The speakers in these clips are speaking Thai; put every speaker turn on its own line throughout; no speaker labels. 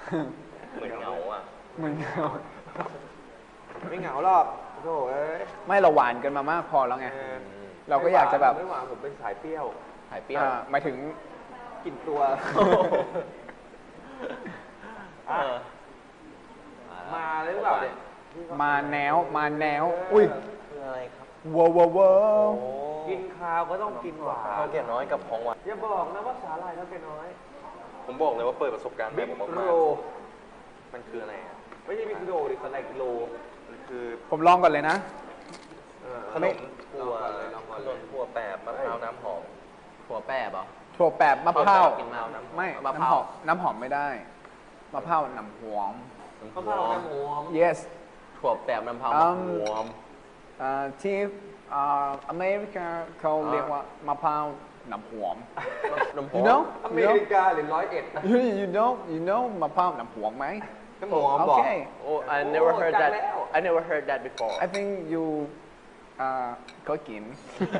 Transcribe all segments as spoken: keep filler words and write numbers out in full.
เหมือนเหงาอ่ะ
เหมือนเหงา
ไม่เหงาหรอกโถ่เอ้ย
ไม่เราหวานกันมามากพอแล้วไง
เออ
เราก็อยากจะแบบ
ไม่หวานผมเป็นสายเปรี้ยว
หายเปรี้ยว
อ่าหมายถึง
กลิ่นตัว
เออ
มาเลยหรือเปล่าเนี่ย
มาแนวมาแนวอุ้ย
คืออะไรครับ
ว้าวว้าวว้า
โอ้
ว
กินข้าวก็ต้องกินหวาน
ข้าวแก่น้อยกับของหวาน
อย่าบอกนะว่าสาหร่ายเท่าแก่น้อย
ผมบอกเลยว่าเปิดประสบการณ์ใหม่
บิ๊ก
ผม
โร
มากๆมันคืออะไรอ่ะ
ไม่ใช่บิ๊กโรดิสาหร่ายโล
มันคือ
ผมลองก่อนเลยนะ
เออ
ขนมถั่ว
ลองก่อนเลยลองก่อน
ข
เล
น
ย
มถั่วแปบมะพร้าวน้ำหอม
ถั่วแป้บเหรอ
ถั่วแปบมะพร้าว
กินมะพร้าวน้ำหอม
ไม่
มะพ
น้ำ
ร้าว
หอมน้ำหอมไม่ได้มะพร้าวน้ำหอม
มะพร้าวน้ำหอม
yes
ถั่วแป้บน้ำพร้าว
อืม
หอม
อ่าที่อ่าอเมริกาเขาเรียกว่ามะพร้าวน้ำหอม
น้ำหอ
you
ม
know
อเม
you know
ริกาหรือร้อยเอ็ด
you you know you know มะพร้าวน้ำหอมไหม
น้ำหอม
โอ
บอก
เค
โอ้ I never
โอ้
heard
จั
that
ดแล้ว
I never heard that before
I think you อ่าก็กิน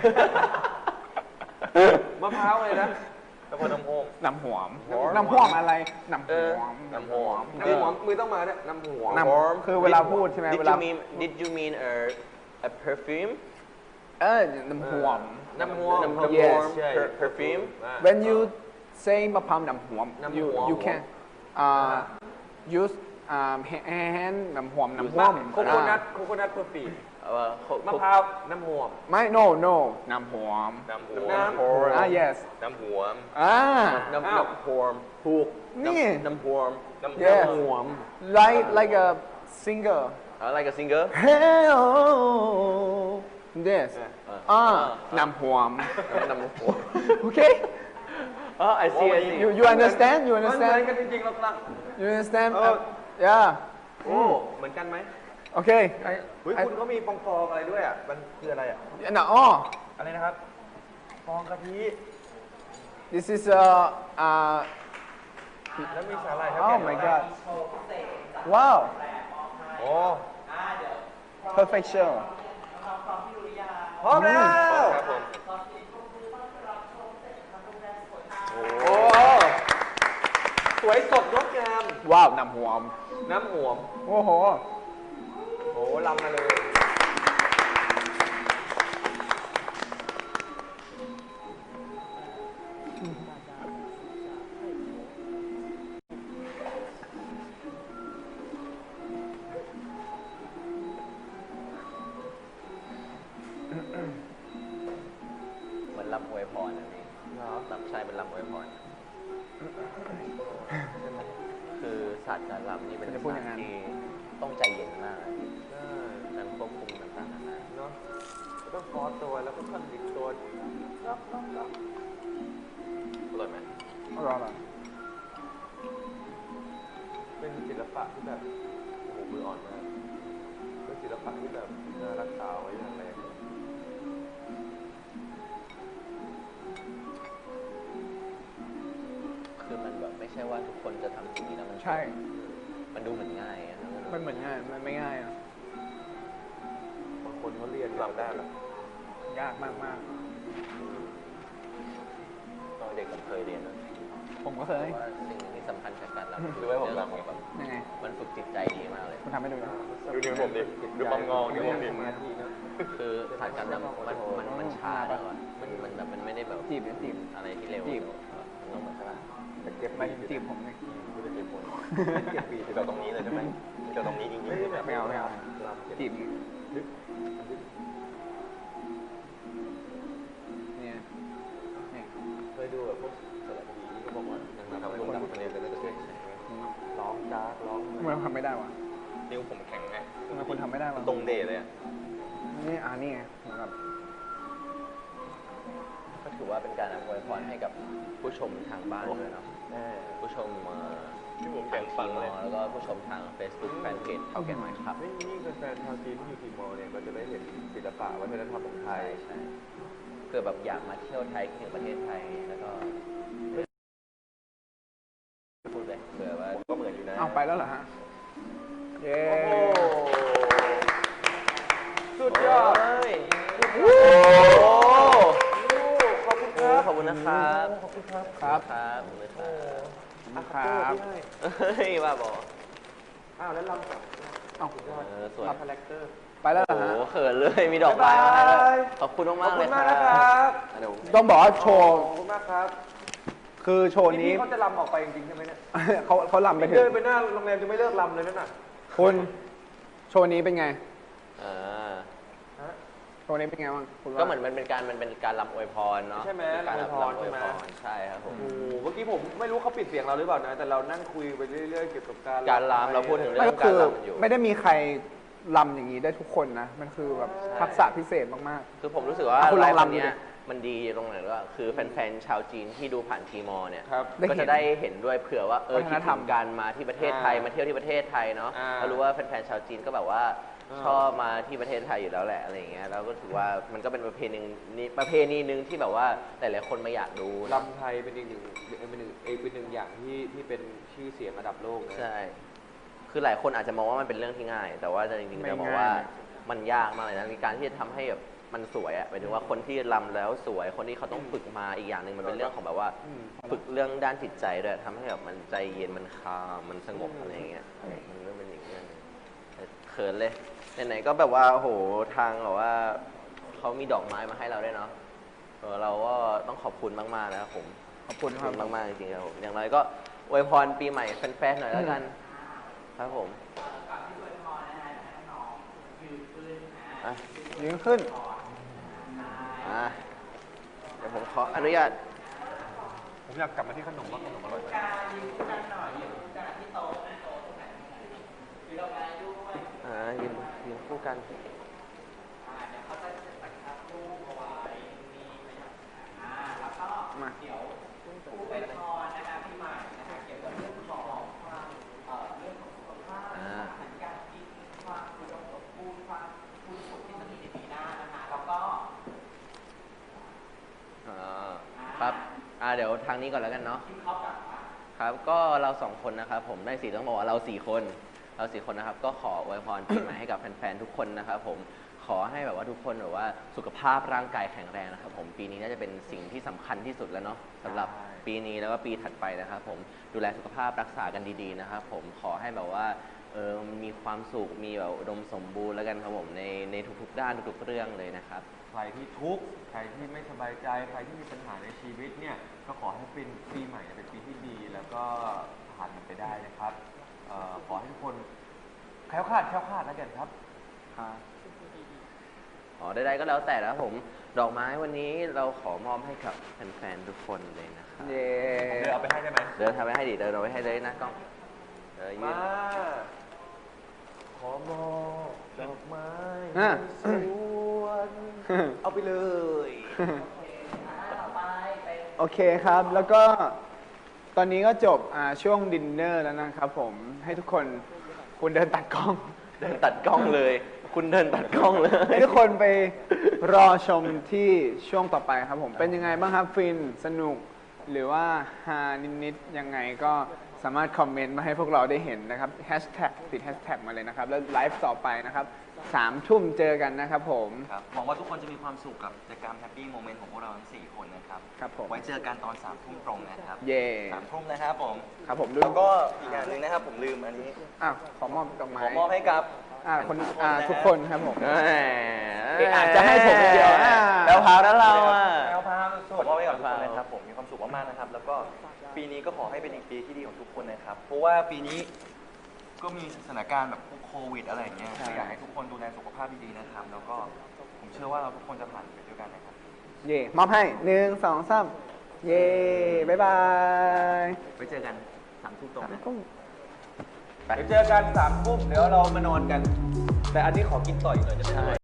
มะพร้าวเลยนะ
แล้วก็น้ำหอม
น้ำหอม
หอม
น้ำหอมอะไรน้ำห
เออ
อม
น้ำหอม
น้ำหอมมือต้องมาเนี่ยน้ำหอม
น้ำคือเวลาพูดใช่ไหม
Did
เว
you
ลา
mean Did you mean a a perfume
เออน้ำหอม
น้ำหอม
น้ำหอม
Yes
per- perfume
when you say มะพร้าวน้ำหอม
น้ำหอม
you you can uh, use um, hand น้ำหอมน้ำหอม
โคโคนัทโคโคนัทเพอร์ฟีม
เอ่อ
มะพร้าวน้ำหอม
ไม่ no no น้ำหอม
น้ำหวม
น้ำหอม
อ่า yes
น้ำหวม
อ่า
น้ำ
อ้าว
น้ำหอมถูก
นี่
น้ำหอม
น้ำห
Yes
วม
หอม
like like a singer
I like a singer
hey oh this อ่าน้ำหอม
น้ำหอม
okay
อ๋อ I see I see
you you understand you
มันเหมือน
understand
กันจริงๆเรากำลัง
you understand
เออ
yeah
โอ้เหมือนกันไหม
okay
เฮ้ยคุณเขามีฟองๆอะไรด้วยอ่ะมันคืออะไรอ่ะ
I, no, oh
อะไรนะครับฟองกะทิ
this is a uh
แล้วมีสาหร่ายเท่า
oh
แก่
my
น้อย
god wow
โอ้
perfection
พร้อมแล้ว
ครับผม
โอ้สวยสดงดงาม
ว้าวน้ำหอม
น้ำหอม
โอ้โห
โอ้ลำมาเลย
เหมือนลำอวยพรอันนี้ลำใช่เป็นลำอวยพร คือศาสตร์การลำนี่เป็น
จะพูด
ศา
อ
สต
ย่างนั้น
ร์ที่ต้องใจเย็นมากนะพี่
ใช่
การควบคุมต่างๆนานา
เนาะต้องคอตัวแล้วก็ขั้นดิกตัว
อร่อยไหม
อร่อย
เป็นศิลปะที่แบบโอ้โหมืออ่อนมากเป็นศิลปะที่แบบน่ารักษาไว้อย่างแรง
คือมันแบบไม่ใช่ว่าทุกคนจะทำสิ่งนี้แล้วมัน
ใช่
มันดูเหมือนง่ายอะนะ
มันเหมือนง่าย มันไม่ง่ายอะ
บางคนเขาเรียน
ลำได้เหรอ
ยากมากมาก
ตอนเด็กผมเคยเรียนนะ
ๆผมก็เคย
ว่าสิ่งหนึ่งที่สำคัญจากการรำ
ดูให้ผม
เรื่อง
รำ
ของแบบ
ยังไง
มันฝึกจิตใจดีมากเลย
คุณทำให้ดูนะ
ดูนิ้วผมดิดูความงอนิ้วผมดิ
สมาธินะ
คือศาสตร์การรำมันมันมันช้าดีกว่ามันมันแบบมันไม่ได้แบบ
จีบเนี่ยจีบ
อะไรที่เร็ว
จีบ
มันต้องเหมือนใช่ปะ
แต่เก็บ
ไม่จีบผมเลย
ไม่ได้เก็บผลเก็บปี
เจาะตรงนี้เลยใช่ไหมเจาะตรงนี้จริงๆใช่ไหม
ไม่เอาไม่เอา
ลำเก็บ
จีบ
ลึก
เนี่ยเนี่ย
เคยดูแบบพวกสารคดีที่เขาบอกว่านางรำ
ทำให้คนดังคนนี้จะได้จะเก่ง
ร้องจ้าดร้อง
ทำไมเราทำไม่ได้วะ
นิ้วผมแข็งไง
ทำไมคุณทำไม่ได้วะ
ตรงเดย์เลยอ่ะ
นี่อ่านี่ไงเหมือนกับ
ก็ถือว่าเป็นการอวยพรให้กับผู้ชมทางบ้านด้วยเนาะ
แน่
ผู้ชมเอ่อ
ที่ผมแข็งฟังเลย
แล้วก็ผู้ชมทาง Facebook แฟนเพจเท่าแก่หน่อยครับ
ไม่นี่แฟนๆชาวจีนที่อยู่ทีมอร์เนี่ยก็จะได้เห็นศิลปะวัฒนธรรมของไท
ใช่
ย
ใช่เกิดแบบอยากมาเที่ยวไทยคิดถึงประเทศไทยแล้วก็พูดเลยเผื่อว่า
ผมก็เหมือนอยู่นะ
เอาไปแล้วเหรอฮะ เย้
โอ้โหสุดยอด
เฮ้ย
โอ้ขอบคุณครับ
ขอบคุณนะครับ
ขอบคุณครับ
ครับ
ครับขอบคุณครับ
อ่ะ
ครั
เตอร์
บ
พี่ให้
เฮ้ยบ้าบอ
อ้าวแล้วลำกับ
เอ้า
สุดยอด
เออสวย
รับคาแรคเตอร์
ไปแล้วเหร
โอ้
อ
โห
ฮะ
เขินเลยมีดอกไม้มาให้ด้วย
บ๊ายบาย
ขอบคุณ
ข
มา
อบ
กๆ
คุ
เลย
ณ
ค
มาก
รั
นะครับ
บเดี๋ยว
ต้องบอกว่าโชว์
ขอบคุณมากครับ
คือโชว์นี้
พี่เขาจะลำออกไปจริงๆใช่ไหมเนี่ย
เขาเขาลำไปถึ
เดิ
ง
นไปหน้าโรงแรมจะไม่เลิกลำเลยนั่นน่ะ
คุณโชว์นี้เป็นไง
อ่า
ฮะ
โชว์นี้เป็นไงบ้างคุณว่า
ก็เหมือนมันเป็นการมันเป็นการรำอวยพรเนาะ
ใช่ไหม
เป็นการ
รำอวยพร
รำอวยพ
ใช่
ร
ไหม
ใช่ครับผม
โอ้โหเมื่อกี้ผมไม่รู้เขาปิดเสียงเราหรือเปล่านะ แต่เรานั่งคุยไปเรื่อยๆเกี่ยวกับการ
การรำเราพูดถึงเรื่
ไม่
อง
ก็คือ
การรำอยู่
ไม่ได้มีใครลำอย่างนี้ได้ทุกคนนะ มันคือแบบทักษะพิเศษมาก
คือผมรู้สึกว่า
อ่ะคุณล
ไล
อง
ฟ์
รำ
วันเนี้
ดู
ย
ดิ
มันดีตรงไหนว่าคือแฟนๆชาวจีนที่ดูผ่านทีมอร์เนี่ย
ครับ
ได้
ก็
เห็
จะ
น
ได้เห็นด้วยเผื่อว่าเออ
วัฒ
คิ
น
ด
ธร
ถึ
รม
งการมาที่ประเทศไทย
อ่าม
มาเที่ยวที่ประเทศไทยเนาะ
อ่า
เรารู้ว่าแฟนๆชาวจีนก็แบบว่า
อ่า
ชอบมาที่ประเทศไทยอยู่แล้วแหละอะไรอย่างเงี้ยแล้วก็ถือว่ามันก็เป็นประเพณีนี้ประเพณีหนึ่งที่แบบว่าหลายๆคนมาอยากดู
ลำไทยเป็นอีกหนึ่งเป็นหนึ่งเอกเป็นหนึ่งอย่างที่ที่เป็นชื่อเสียงระดับโลกนะ
ใช่ คือหลายคนอาจจะมองว่ามันเป็นเรื่องที่ง่าย แต่ว่าจริงๆ
ไม่
จะบอก
ง่าย
ว่ามันยากมากเลยนะในการที่จะทำให้แบบมันสวยอะหมายถึงว่าคนที่รำแล้วสวย คนที่เขาต้องฝึกมาอีกอย่างหนึ่งมันเป็นเรื่องของแบบว่า
อืม
ฝึกเรื่องด้านจิตใจด้วยทำให้แบบมันใจเย็นมันคามมันสงบอะไรอย่างเงี้ยมันก็เป็นอีกเรื่องหนึ่งแต่เขินเลยไหนๆก็แบบว่าโอ้โหทางแบบว่าเขามีดอกไม้มาให้เราด้วยเนาะเออเราก็ต้องขอบคุณมากๆนะครับผม
ขอบคุณ
ข
ค
อบ
รับ
คุณมากๆจริงๆครับผมอย่างไรก็อวยพรปีใหม่แฟนๆหน่อยแล้วกัน ครับผมอ่ะ
ยืนขึ้น
อ่ะเดี๋ยวผมขออนุญาต
ผมอยากกลับมาที่ขนมว่าขนมอร่อยไหม
อ่ายืนยืนคู่กัน
มา
อ่าอ่าครับอ่าเดี๋ยวทางนี้ก่อนแล้วกันเนาะครับก็เราสองคนนะครับผมได้สี่ต้องบอกว่าเราสี่คน เราสี่คนนะครับก็ขออวยพรปีใหม่ให้กับแฟนๆทุกคนนะครับผมขอให้แบบว่าทุกคนแบบว่าสุขภาพร่างกายแข็งแรงนะครับผมปีนี้น่าจะเป็นสิ่งที่สำคัญที่สุดแล้วเนาะสำหรับปีนี้แล้วก็ปีถัดไปนะครับผมดูแลสุขภาพรักษากันดีๆนะครับผมขอให้แบบว่าเออมีความสุขมีแบบอุดมสมบูรณ์แล้วกันครับผมในในทุกๆด้านทุกๆเรื่องเลยนะครับ
ใครที่ทุกข์ใครที่ไม่สบายใจ ใครที่มีปัญหาในชีวิตเนี่ย ก็ขอให้เป็นปีใหม่เป็นปีที่ดี แล้วก็ผ่านมันไปได้นะครับเอ่อขอให้ทุกคนแคล้วคลาดแคล้วคลาดแล้วกันครับ
อ๋อใดๆก็แล้วแต่แล้วผมดอกไม้วันนี้เราขอมอบให้กับแฟนๆทุกคนเลยนะครับ
เย้
เดี๋ยวเอาไปให้ได้ไหม
เดินทำไปให้ดิเดินเอาไปให้เลยนะกล้องเออยื
มาน ขอมอบดอกไม้
อ่ะ
สวนเอาไปเลย
โอเคครับ แล้วก็ตอนนี้ก็จบอ่าช่วงดินเนอร์แล้วนะครับผม ให้ทุกคนคุณเดินตัดกล้อง
เดินตัดกล้องเลย คุณเดินตัดกล้องเลย
ให้ทุกคนไปรอชมที่ช่วงต่อไปครับผม เป็นยังไงบ้างครับ ฟิน สนุก หรือว่าฮานิดๆยังไงก็สามารถคอมเมนต์มาให้พวกเราได้เห็นนะครับแฮชแท็กติดแฮชแท็กมาเลยนะครับ แล้วไลฟ์ต่อไปนะครับสามทุ่มเจอกันนะครับผม
ครับหวังว่าทุกคนจะมีความสุขกับกิจกรรมแฮปปี้โมเมนต์ของพวกเราทั้งสี่คนนะครับ
ครับผม
ไว้เจอกันตอนสามทุ่มตรงนะครับ
เย่
สามทุ่มนะครับผม
ครับผมดู
แล้วก็อีกอย่างหนึ่งนะครับผมลืมอันนี้
อ่ะขอมอบดอกไม้
ขอมอบให้กับ
อ่าคนอ่าทุกคนครับผม
เอ้ย
เอ๊ะอาจจะให้ผมคนเดียวอ่ะ
แล้วพาวแล้วเราอ่ะ
แอลพาวสุดขอมอบให้กับทุกคนนะครับผมมีความสุขมากๆนะครับ แล้วก็ปีนี้ก็ขอให้เป็นอีกปีที่ดีของทุกคนนะครับ เพราะว่าปีนี้ก็มีสถานการณ์แบบพวกโควิดอะไรอย่างเงี้ย
ใช่
ก็อยากให้ทุกคนดูแลสุขภาพดีๆนะครับ แล้วก็ผมเชื่อว่าเราทุกคนจะผ่านไปด้วยกันนะครับ
เย่มอบให้หนึ่งสองสามเย่บ๊ายบาย
ไว้เจอกันสามทุ่มตรงนะ
เดี๋ยวเจอกันสามทุ่มเดี๋ยวเรามานอนกัน แต่อันนี้ขอกินต่ออีกหน่อยจะไม่อร่อย